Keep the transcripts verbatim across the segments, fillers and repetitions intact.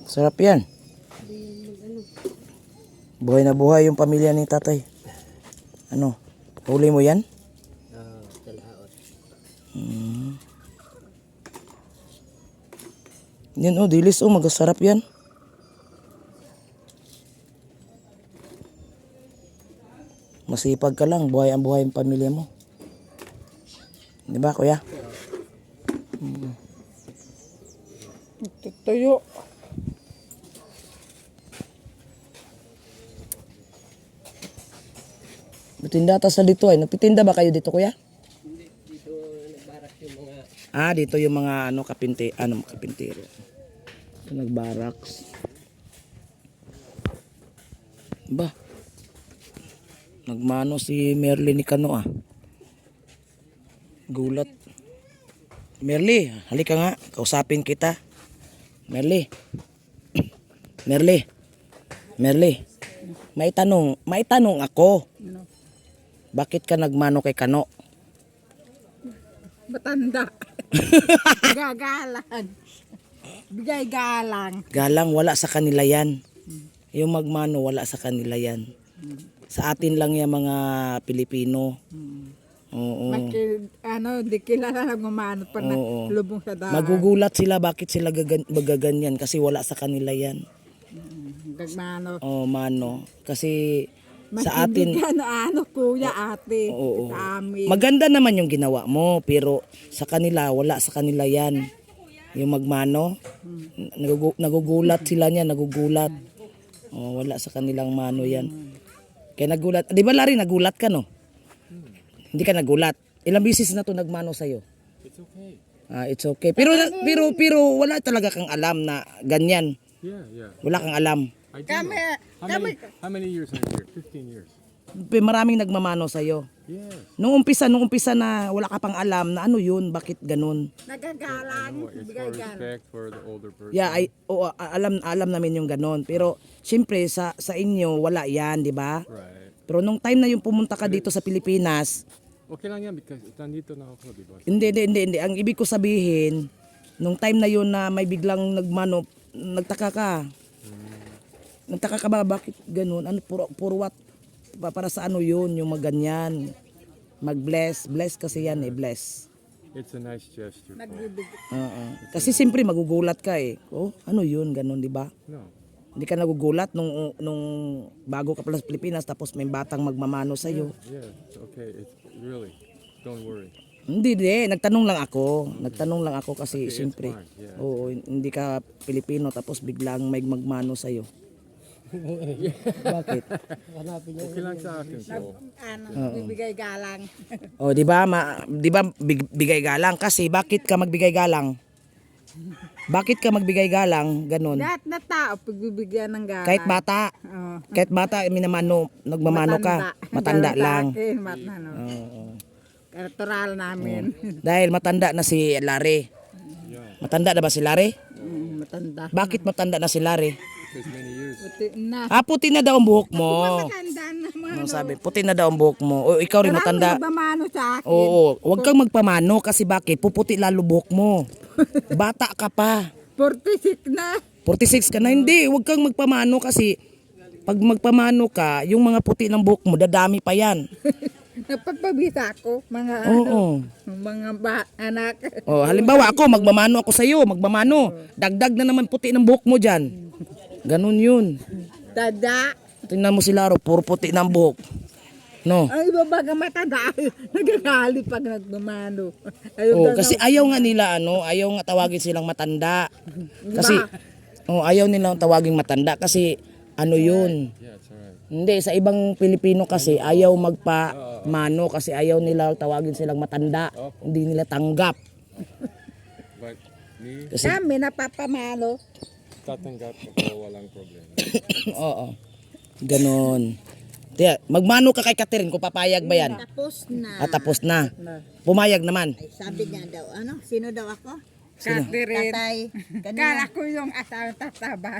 Sarap yan. Buhay na buhay yung pamilya ni tatay. Ano? Huli mo yan? Oo, talaot. Hmm. Yan oh, dilis oh, magasarap yan. Masipag ka lang, buhay ang buhay ang pamilya mo. Di ba, kuya? Hmm. Tuyo. Butinda ta sa dito ay. Nagpitinda ba kayo dito, kuya? Hindi, dito nagbarak yung mga... Ah, dito yung mga ano kapinte, ano kapintero. Ito nagbaraks. Ba? Nagmano si Merly ni Kano ah. Gulat. Merly, halika nga, kausapin kita. Merly. Merly. Merly. May tanong, may tanong ako. Ano? Bakit ka nagmano kay Kano? Matanda. Gagalang. Bigay galang. Galang, wala sa kanila yan. Yung magmano, wala sa kanila yan. Sa atin lang yung mga Pilipino. Oo. Maki, ano, di kilala lang umano pa na Oo. lubong sa daan. Magugulat sila bakit sila gagan magaganyan kasi wala sa kanila yan. Gagmano. Oh, mano. Kasi sa atin, Ano, ano, kuya, ate. oo. Sa amin. Maganda naman yung ginawa mo, pero sa kanila, wala sa kanila yan. Yung magmano, nagugu nagugulat sila niya, nagugulat. Oh, wala sa kanilang mano yan. Kaya nagulat. Di ba, Larry, nagulat ka, no? Hindi ka nagulat. Ilang bisis na to nagmano sa'yo? It's okay. Ah, it's okay. Pero, pero, pero, wala talaga kang alam na ganyan. Yeah, yeah. Wala kang alam. I do Kami, know. How kami, many, how many years are you here? fifteen years. Maraming nagmamano sa'yo. Yes. Nung umpisa, nung umpisa na wala ka pang alam na ano yun, bakit ganun. nagagalang. No, it's Bigay for galang. respect for the older person. Yeah, ay, oo, a- alam alam namin yung ganun. Pero syempre sa sa inyo wala 'yan, 'di ba? Right. Pero nung time na yung pumunta ka dito sa Pilipinas, Okay lang yan because nandito na ako, di ba? hindi hindi hindi, hindi. Ang ibig ko sabihin, nung time na yun na may biglang nagmano, nagtaka ka. Nagtaka ka ba bakit ganun? Ano puro puro what pa- para sa ano yun, yung maganyan. Mag-bless, bless kasi yan eh, bless. It's a nice gesture. po. Nagbibigay. Oo. Kasi siyempre magugulat ka eh. Oh, ano yun, ganun, 'di ba? No. Hindi ka nagugulat nung nung bago ka pala sa Pilipinas tapos may batang magmamano sa iyo. Yeah, it's okay. It's really, don't worry. Hindi di, nagtanong lang ako. Nagtanong lang ako kasi Okay, it's siyempre. fine, yeah. Oo, hindi ka Pilipino tapos biglang may magmano sa iyo. Bakit? Okay lang sa akin. So, Ano, bibigay galang. Oh, 'di ba? Ma, 'di ba big- bigay galang kasi bakit ka magbigay galang? Bakit ka magbigay galang? Ganun. Lahat na tao, pagbibigyan ng galang. Kahit bata, Oo. kahit bata minamano, nagmamano ka. Matanda Galang sa lang. akin, matanda. Oo. Natural namin. Dahil matanda na si Larry. yeah, Matanda na ba si Larry? Mm, matanda. Bakit matanda na si Larry? because many years. Puti na. Ah, puti na daw ang buhok mo. Matanda na mga. Ano sabi? Puti na daw ang buhok mo. O ikaw rin matanda. Nagmamano sa akin. Oo, huwag kang magpamano kasi bakit? Puputi lalo buhok mo. Bata ka pa. forty-six na. forty-six ka na. Hindi, huwag kang magpamano kasi pag magpamano ka, yung mga puti ng buhok mo, dadami pa yan. Napagpabisa ako. Mga Oo. ano, mga ba, anak. Oh, halimbawa ako, magmamano ako sa'yo, magmamano. Dagdag na naman puti ng buhok mo dyan. Ganun yun. Tada. Tingnan mo si Laro, puro puti ng buhok. No? Ang iba baga matanda. Nagagalit pag nagmamano. Ayun Oh, daw kasi na- ayaw nga nila ano, ayaw nga tawagin silang matanda. Kasi oh, ayaw nilang tawagin matanda kasi ano 'yun. Yeah, it's alright. Hindi sa ibang Pilipino kasi ayaw magpamano kasi ayaw nila tawagin silang matanda. Hindi nila tanggap. But me, Kasi Kami napapamano. tatanggap ako, walang problema. oo. Ganon. Tiya, magmano ka kay Catherine kung papayag ba 'yan? Tapos na. At tapos na. Pumayag naman. Ay, sabi niya daw, ano? Sino daw ako? Catherine. Tatay. Kala Kanina. ko yung asawa tataba.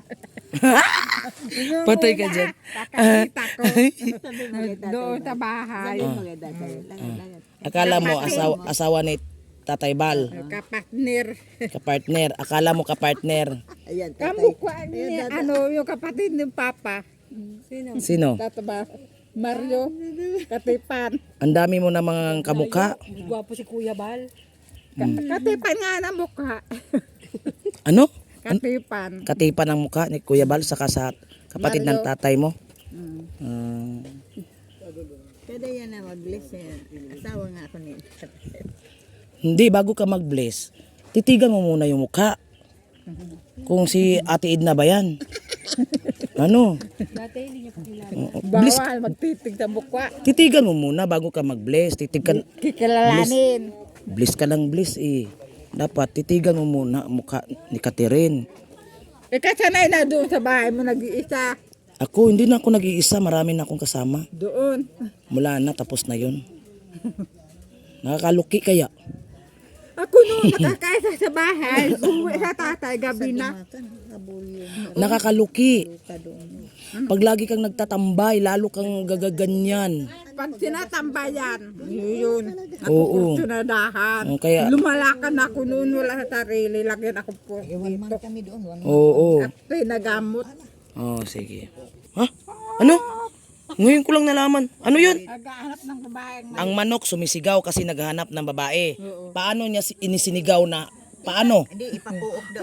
Patay ka dyan. Kakakita ko. Sabi mo kay tatay. Doon sa bahay. Sabi mo kay tatay. Langit, langit. Akala mo asawa, asawa ni Tatay Bal. Kapatner. Kapartner. Akala mo kapartner. Ayan, tatay. Kamukha ni, ano, yung kapatid ni Papa. Sino? Tataba. Mario. Katipan. Ang dami mo na mga kamukha. Gwapo si Kuya Bal. Ka- Katipan nga na mukha. Ano? Katipan. Katipan ang mukha ni Kuya Bal saka sa kapatid ng tatay mo. Mm. Ah. Kada yan na mag-bless yan. Asawa nga ako ni Hindi, bago ka mag-bless, titigan mo muna yung mukha. Kung si Ate Edna ba yan? Ano? Dati hindi niya pa kilala. Oo, bless, Bawal magtitig sa mukha. titigan mo muna bago ka mag-bless. Titigan, Kikilalanin. bless ka lang bless eh. Dapat titigan mo muna ang mukha ni Catherine. Eh, kasanay na doon sa bahay mo nag-iisa. Ako, hindi na ako nag-iisa. Marami na akong kasama. Doon. Mula na, tapos na yun. Nakakaluki kaya. Ako noon nakakaisa sa bahay. Uwi sa tatay, gabi na. Nakakaluki. Pag lagi kang nagtatambay, lalo kang gagaganyan. Pag sinatambayan, yun. Oo. Sunadahan. Oh, kaya- Lumalakan ako noon, wala sa sarili. Lagyan ako po. Iwan man kami doon. One Oo. At pinagamot. Oh, sige. Ha? Ano? Ngayon ko lang nalaman. Ano yun? Naghahanap ng babaeng Ang manok sumisigaw kasi naghahanap ng babae. Paano niya si- inisinigaw na? Paano? Hindi, ipapuok daw.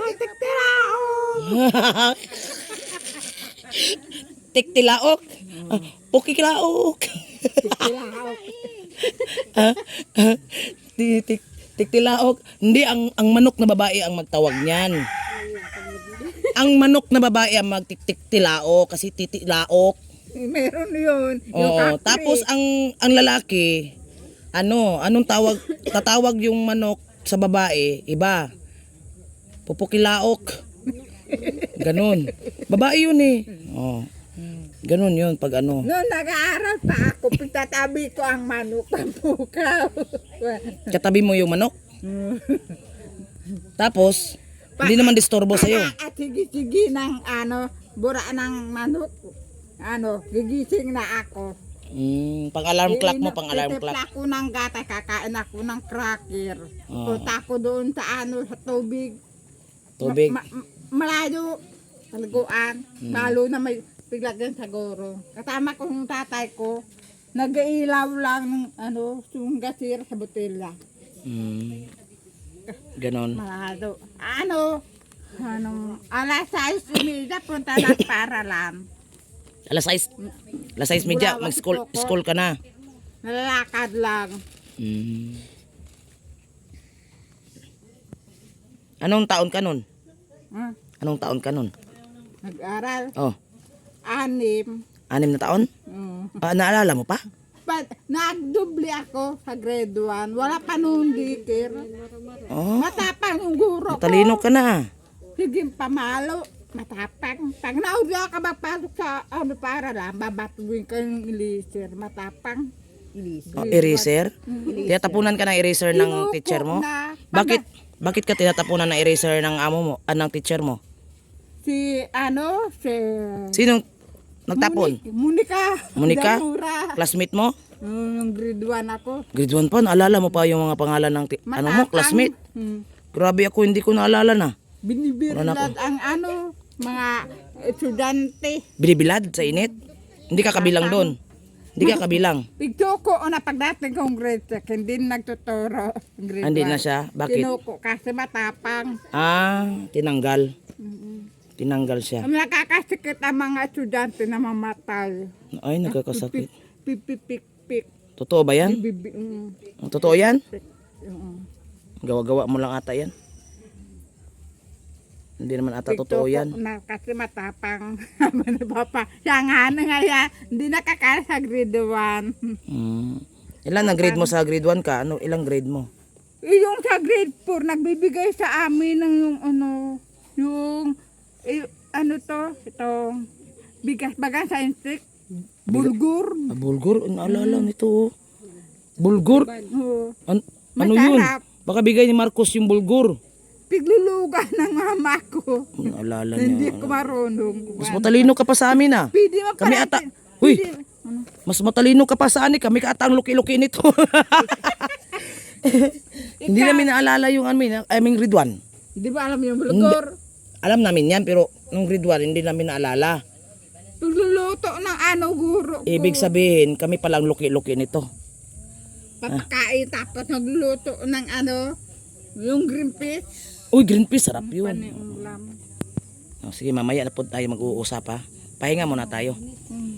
Tiktilaok. Ah, pukikilaok. Ah, ah, ti- tik- Tiktilaok. Hindi, ang, ang manok na babae ang magtawag niyan. Ang manok na babae ang magtiktiktilaok kasi titilaok. Meron yun. Yung Oo, kakri. tapos ang ang lalaki, ano, anong tawag? Tatawag yung manok sa babae, iba. Pupukilaok. Ganon. Babae yun eh. Oh. Ganon yun pag ano. Noon nag-aaral pa ako, pagtatabi ko ang manok ng pukaw. Katabi mo yung manok. Tapos, hindi naman disturbo sa'yo. At sige-sige ng ano, bura ng manok. Ano, gigising na ako. Mm, pang alarm clock mo, pang alarm clock. Titipla ko ng gata, kakain ako ng cracker. Ah. Punta ako doon sa ano, sa tubig. Tubig. Ma- ma- malayo, taliguan. Hmm. Lalo na may piglagyan sa goro. Kasama ko yung tatay ko. Nag-iilaw lang ng ano, yung gasir sa botelya. Mm. Ganon. Malado. Ano? Ano? Alas sais umida, punta na para lang. Alas sais. Alas sais media, mag-school school ka na. Nalalakad lang. Mm. Anong taon ka nun? Huh? Anong taon ka nun? Nag-aral. Oh, Anim. anim na taon? Mm. Ah, naalala mo pa? But, nagdubli ako sa grade one. Wala pa noon dikir. Oh, Matapang yung guro ko. matalino ka na. Sige, pamalo. Matapang. Pag naudya ka magpasok sa ano para lang, babatuin ka yung eraser. Matapang. Oh, eraser? Tinatapunan ka ng eraser ng teacher mo? Na, Bakit? Bakit ka tinatapunan ng eraser ng amo mo, ah, ng teacher mo? Si, ano, si... Sinong nagtapon? Monica. Monica? Damura. Classmate mo? Mm, Yung grade one ako. Grade one pa, naalala mo pa yung mga pangalan ng ti- ano mo, Matapang. classmate? Hmm. Grabe ako, hindi ko naalala na. Binibirlad Wala na ang ano, mga estudyante. Binibilad sa init? Hindi ka kabilang doon. Hindi ka kabilang. Pigtuko o na pagdating kong grade six, hindi nagtuturo. Grade Hindi na one. siya? Bakit? Tinuko kasi matapang. Ah, tinanggal. Tinanggal siya. Ang nakakasikit ang mga estudyante na mamatay. Ay, nagkakasakit. Pipipik-pik. Totoo ba yan? Bibi, mm, Totoo yan? mm. Gawa-gawa mo lang ata yan. Hindi naman ata totoo Pigtuko yan. na kasi matapang. Ano ba pa? Siya nga na nga yan. Hindi nakakaya sa grade one. Hmm. Ilan na grade mo sa grade one ka? Ano, ilang grade mo? Eh, yung sa grade four, nagbibigay sa amin ng yung ano, yung, eh, ano to, ito, bigas baga sa insect, bulgur. Ah, bulgur? Ang naalala nito. Oh. Bulgur? Oh, An- ano yun? Masarap. Baka bigay ni Marcos yung bulgur. piglulugan ng mama ko. Ang naalala Na hindi niya. ko marunong. Mas matalino ka pa sa amin ah. Pwede mo Kami pala- ata. Huy! Pwede- ano? Mas matalino ka pa sa amin. Kami ka ata ang luki-luki nito. Hindi namin naalala yung amin, aming grade one. Di ba alam yung bulgor? Alam namin yan, pero nung grade one, hindi namin naalala. Pagluluto ng ano guro ko. Ibig sabihin, kami palang luki-luki nito. Papakain tapos nagluto ng ano, yung green fish. Uy, green peas, sarap yun. Paniulam. Oh, sige, mamaya na po tayo mag-uusap ha. Pahinga muna tayo. Mm.